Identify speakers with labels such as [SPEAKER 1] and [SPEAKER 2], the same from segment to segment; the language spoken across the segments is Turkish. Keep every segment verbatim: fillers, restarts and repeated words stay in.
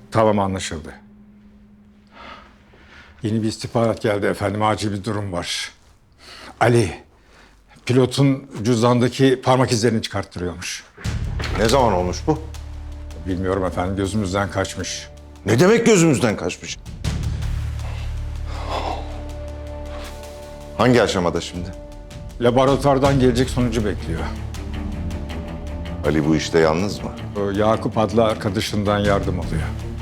[SPEAKER 1] Tamam, anlaşıldı. Yeni bir istihbarat geldi efendim. Acil bir durum var. Ali, pilotun cüzdandaki parmak izlerini çıkarttırıyormuş.
[SPEAKER 2] Ne zaman olmuş bu?
[SPEAKER 1] Bilmiyorum efendim, gözümüzden kaçmış.
[SPEAKER 2] Ne demek gözümüzden kaçmış? Hangi aşamada şimdi?
[SPEAKER 1] Laboratuvardan gelecek sonucu bekliyor.
[SPEAKER 2] Ali bu işte yalnız mı?
[SPEAKER 1] O Yakup adlı arkadaşından yardım alıyor.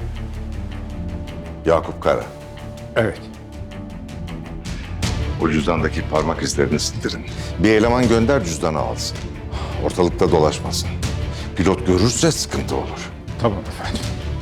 [SPEAKER 2] Yakup Kara.
[SPEAKER 1] Evet.
[SPEAKER 2] O cüzdandaki parmak izlerini sildirin. Bir eleman gönder cüzdanı alsın. Ortalıkta dolaşmasın. Pilot görürse sıkıntı olur.
[SPEAKER 1] Tamam efendim.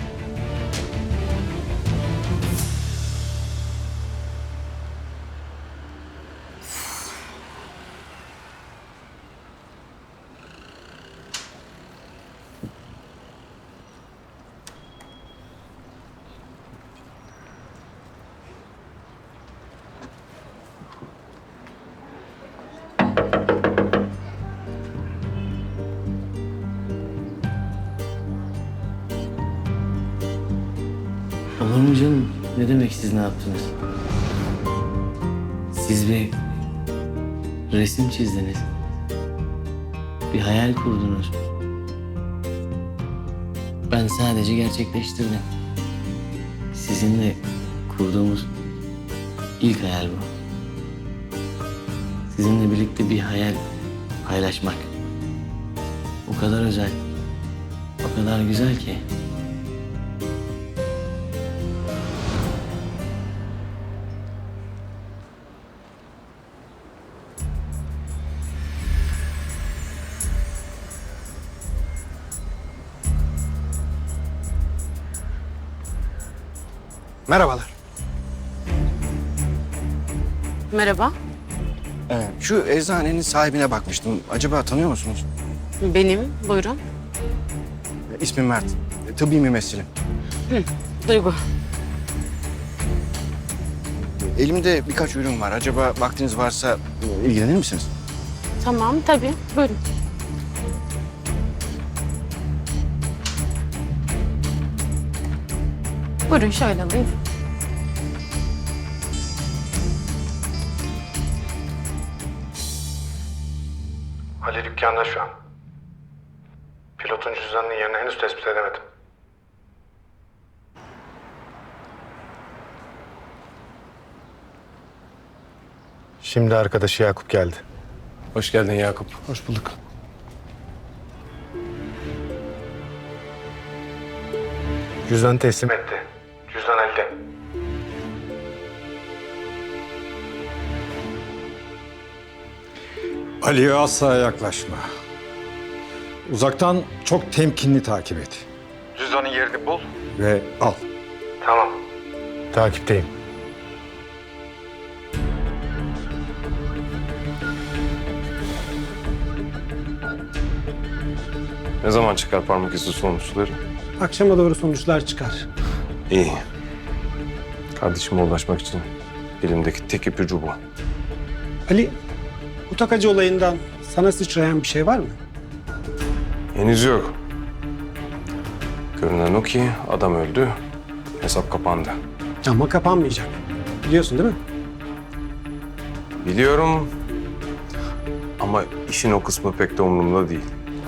[SPEAKER 3] Olur mu canım? Ne demek siz ne yaptınız? Siz bir resim çizdiniz. Bir hayal kurdunuz. Ben sadece gerçekleştirdim. Sizinle kurduğumuz ilk hayal bu. Sizinle birlikte bir hayal paylaşmak. O kadar özel, o kadar güzel ki.
[SPEAKER 4] Merhabalar.
[SPEAKER 5] Merhaba,
[SPEAKER 4] Ee, şu eczanenin sahibine bakmıştım. Acaba tanıyor musunuz?
[SPEAKER 5] benim. Buyurun.
[SPEAKER 4] Ee, İsmim Mert. Ee, Tıbbi mümessilim.
[SPEAKER 5] Duygu.
[SPEAKER 4] Ee, Elimde birkaç ürün var. Acaba vaktiniz varsa e, ilgilenir misiniz?
[SPEAKER 5] Tamam, tabii. Buyurun. Buyurun, şöyle alayım.
[SPEAKER 1] Ali dükkanda şu an. Pilotun cüzdanının yerini henüz tespit edemedim.
[SPEAKER 6] Şimdi arkadaşı Yakup geldi.
[SPEAKER 7] Hoş geldin Yakup.
[SPEAKER 6] Hoş bulduk. Cüzdanı teslim et.
[SPEAKER 1] Etti. Cüzdan elde. Ali'ye asla yaklaşma. Uzaktan çok temkinli takip et. Cüzdanın yerini bul ve al. Tamam.
[SPEAKER 6] Takipteyim.
[SPEAKER 7] Ne zaman çıkar parmak izi sonuçları?
[SPEAKER 8] Akşama doğru sonuçlar çıkar.
[SPEAKER 7] İyi. Kardeşime ulaşmak için elimdeki tek ipucu bu.
[SPEAKER 8] Ali, bu takacı olayından sana sıçrayan bir şey var mı?
[SPEAKER 7] Henüz yok. Görünen o ki adam öldü, hesap kapandı.
[SPEAKER 8] Ama kapanmayacak. Biliyorsun değil mi?
[SPEAKER 7] Biliyorum ama işin o kısmı pek de umurumda değil.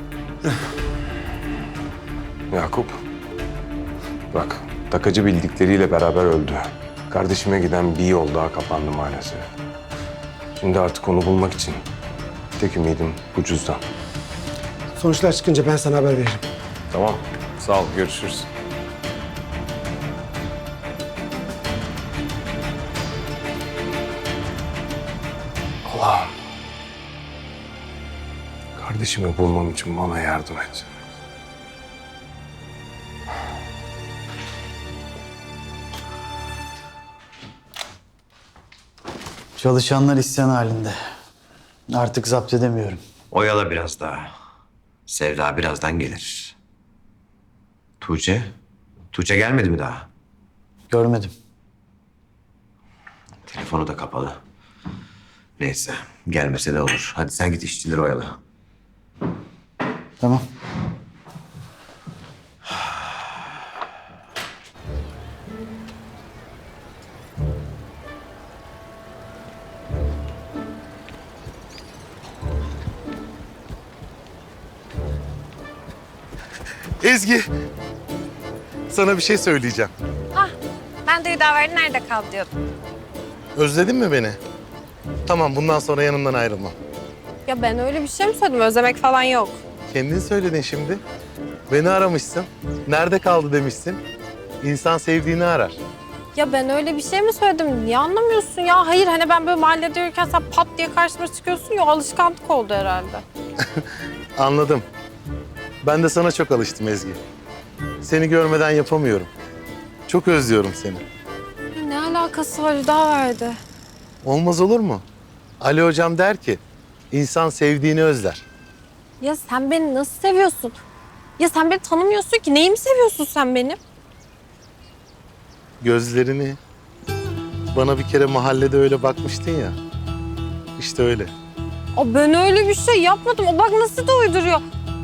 [SPEAKER 7] Yakup, bak takacı bildikleriyle beraber öldü. Kardeşime giden bir yol daha kapandı maalesef. Şimdi artık onu bulmak için tek ümidim bu cüzdan.
[SPEAKER 8] Sonuçlar çıkınca ben sana haber veririm.
[SPEAKER 7] Tamam, sağ ol, görüşürüz. Allah'ım, kardeşimi bulmam için bana yardım et.
[SPEAKER 9] Çalışanlar isyan halinde. Artık zapt edemiyorum.
[SPEAKER 10] Oyala biraz daha. Sevda birazdan gelir. Tuğçe? Tuğçe gelmedi mi daha?
[SPEAKER 9] Görmedim.
[SPEAKER 10] Telefonu da kapalı. Neyse, gelmese de olur. Hadi sen git işçileri oyala.
[SPEAKER 9] Tamam.
[SPEAKER 6] Ezgi, sana bir şey söyleyeceğim.
[SPEAKER 11] Ben de Hüdaverdi nerede kaldı diyordum.
[SPEAKER 6] Özledin mi beni? Tamam, bundan sonra yanımdan ayrılma.
[SPEAKER 11] Ya ben öyle bir şey mi söyledim? Özlemek falan yok.
[SPEAKER 6] Kendin söyledin şimdi. Beni aramışsın. Nerede kaldı demişsin. İnsan sevdiğini arar.
[SPEAKER 11] Ya ben öyle bir şey mi söyledim? Niye anlamıyorsun ya? Hayır hani ben böyle mahallede yürürken sen pat diye karşıma çıkıyorsun ya, alışkanlık oldu herhalde.
[SPEAKER 6] Anladım. Ben de sana çok alıştım Ezgi. Seni görmeden yapamıyorum. Çok özlüyorum seni.
[SPEAKER 11] Ya ne alakası var Hüdaverdi?
[SPEAKER 6] Olmaz olur mu? Ali hocam der ki, insan sevdiğini özler.
[SPEAKER 11] Ya sen beni nasıl seviyorsun? Ya sen beni tanımıyorsun ki. Neyimi seviyorsun sen benim?
[SPEAKER 6] Gözlerini. Bana bir kere mahallede öyle bakmıştın ya. İşte öyle.
[SPEAKER 11] Aa, ben öyle bir şey yapmadım. O bak nasıl da uyduruyor.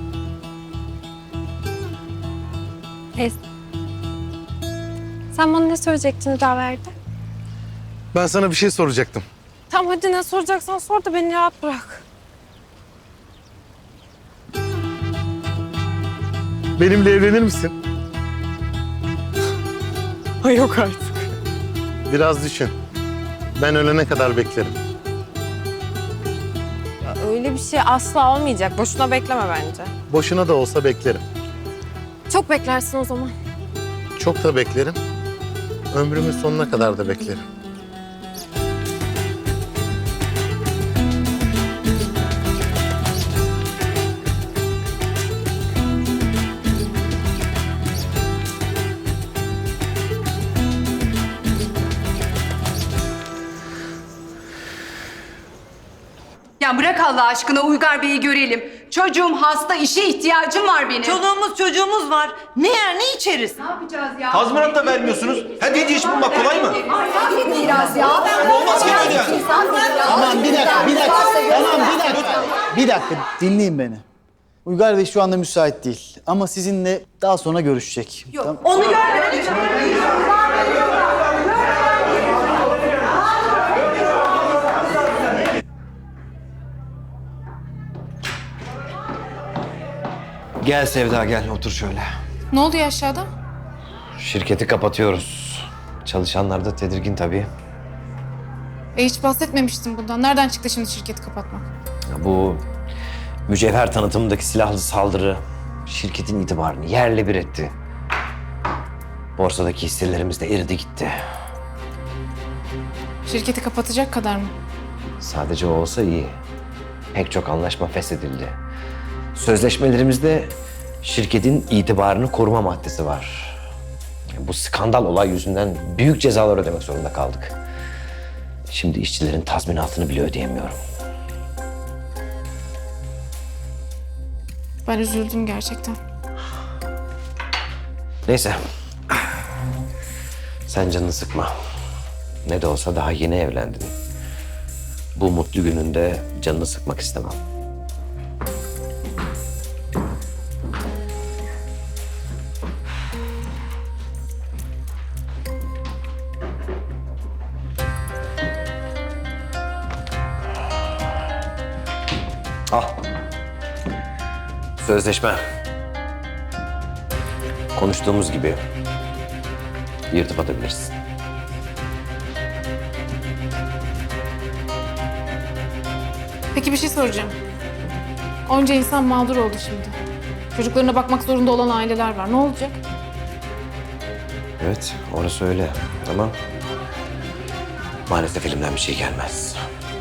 [SPEAKER 11] Neyse. Sen bana ne söyleyecektin Hüdaverdi?
[SPEAKER 6] Ben sana bir şey soracaktım.
[SPEAKER 11] Tamam hadi ne soracaksan sor da beni rahat bırak.
[SPEAKER 6] Benimle evlenir misin?
[SPEAKER 11] Ay yok artık.
[SPEAKER 6] Biraz düşün. Ben ölene kadar beklerim.
[SPEAKER 11] Ya öyle bir şey asla olmayacak. Boşuna bekleme bence.
[SPEAKER 6] Boşuna da olsa beklerim.
[SPEAKER 11] Çok beklersin o zaman.
[SPEAKER 6] Çok da beklerim. Ömrümün sonuna kadar da beklerim.
[SPEAKER 12] Ya bırak Allah aşkına, Uygar Bey'i görelim. Çocuğum hasta, işe ihtiyacım var benim.
[SPEAKER 13] Çoluğumuz çocuğumuz var. Ne yer ne içeriz?
[SPEAKER 12] Ne yapacağız ya?
[SPEAKER 10] Tazminat da vermiyorsunuz. Hadi hediye iş bulmak kolay mı?
[SPEAKER 12] Biraz ya.
[SPEAKER 10] Olmaz ki böyle yani.
[SPEAKER 9] Tamam bir dakika, bir dakika. Tamam bir dakika. Bir dakika dinleyin beni. Uygar Bey şu anda müsait değil ama sizinle daha sonra görüşecek.
[SPEAKER 12] Yok,
[SPEAKER 9] Tamam.
[SPEAKER 12] onu görmedim.
[SPEAKER 10] Gel Sevda gel otur şöyle.
[SPEAKER 5] Ne oluyor aşağıda?
[SPEAKER 10] Şirketi kapatıyoruz. Çalışanlar da tedirgin tabii.
[SPEAKER 5] E hiç bahsetmemiştin bundan. Nereden çıktı şimdi şirketi kapatmak?
[SPEAKER 10] Ya bu mücevher tanıtımındaki silahlı saldırı şirketin itibarını yerle bir etti. Borsadaki hisselerimiz de eridi gitti.
[SPEAKER 5] Şirketi kapatacak kadar mı?
[SPEAKER 10] Sadece o olsa iyi. Pek çok anlaşma feshedildi. Sözleşmelerimizde şirketin itibarını koruma maddesi var. Bu skandal olay yüzünden büyük cezalar ödemek zorunda kaldık. Şimdi işçilerin tazminatını bile ödeyemiyorum.
[SPEAKER 5] Ben üzüldüm gerçekten.
[SPEAKER 10] Neyse. Sen canını sıkma. Ne de olsa daha yeni evlendin. Bu mutlu gününde canını sıkmak istemem. Al. Sözleşme. Konuştuğumuz gibi yırtıp atabilirsin.
[SPEAKER 5] Peki bir şey soracağım. Onca insan mağdur oldu şimdi. Çocuklarına bakmak zorunda olan aileler var. Ne olacak?
[SPEAKER 10] Evet, orası öyle. Ama maalesef elimden bir şey gelmez.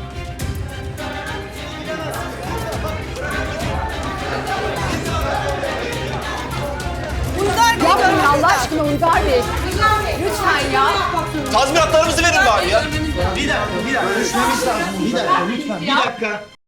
[SPEAKER 12] Yapmayın Allah aşkına Uygar Bey. Lütfen ya.
[SPEAKER 10] Tazminatlarımızı verin bari ya.
[SPEAKER 9] Bir dakika, bir dakika. Görüşmemiz lazım. Bir dakika lütfen, bir dakika.